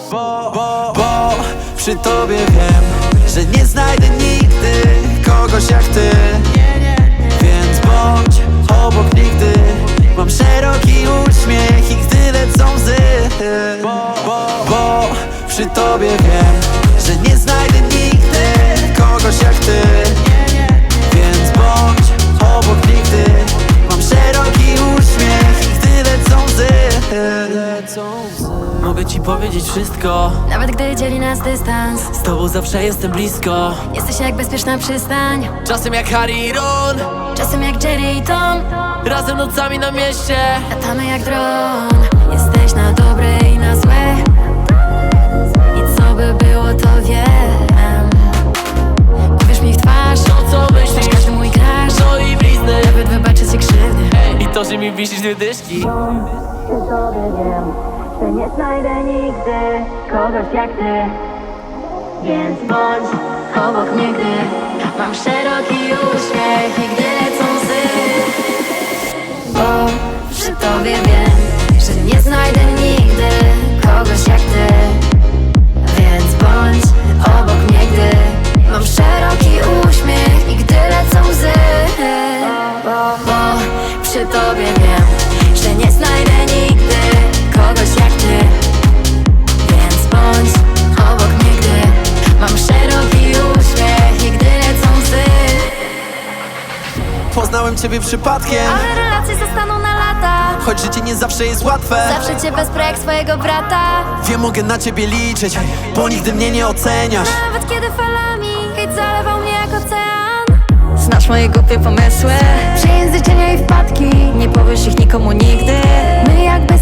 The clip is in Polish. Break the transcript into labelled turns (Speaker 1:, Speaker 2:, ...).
Speaker 1: Bo przy tobie wiem, że nie znajdę nigdy kogoś jak ty. Więc bądź obok nigdy. Mam szeroki uśmiech i gdy lecą łzy. Bo przy tobie wiem, że nie znajdę nigdy kogoś jak ty. Więc bądź obok nigdy. Mam szeroki uśmiech i gdy lecą łzy. Mogę ci powiedzieć wszystko,
Speaker 2: nawet gdy dzieli nas dystans.
Speaker 1: z tobą zawsze jestem blisko.
Speaker 2: Jesteś jak bezpieczna przystań,
Speaker 1: Czasem jak Harry i Ron,
Speaker 2: czasem jak Jerry i Tom.
Speaker 1: razem nocami na mieście.
Speaker 2: Latamy jak dron. Jesteś na dobre i na złe. I co by było, to wiem. Powiesz mi w twarz,
Speaker 1: To co myślisz,
Speaker 2: każdy mój crash.
Speaker 1: no i blizny.
Speaker 2: Nawet wybaczę ci krzywdy.
Speaker 1: I to, że mi wisisz dwie dyszki.
Speaker 2: Przy tobie wiem, że nie znajdę nigdy kogoś jak ty. Więc bądź obok mnie, gdy mam szeroki uśmiech i gdy lecą łzy. Bo przy tobie wiem, że nie znajdę nigdy kogoś jak ty. Więc bądź obok mnie, gdy mam szeroki uśmiech i gdy lecą łzy. Bo przy tobie wiem, że nie znajdę nigdy kogoś jak ty. Więc bądź obok mnie, gdy mam szeroki uśmiech i gdy lecą łzy.
Speaker 1: Poznałem ciebie przypadkiem,
Speaker 2: Ale relacje zostaną na lata.
Speaker 1: choć życie nie zawsze jest łatwe.
Speaker 2: Zawsze cię wesprę jak swojego brata.
Speaker 1: Wiem, mogę na ciebie liczyć, bo nigdy mnie nie oceniasz.
Speaker 2: Nawet kiedy falami hejt zalewał mnie jak ocean. Znasz moje głupie pomysły, przejęzyczenia i wpadki. Nie powiesz ich nikomu nigdy. My jakby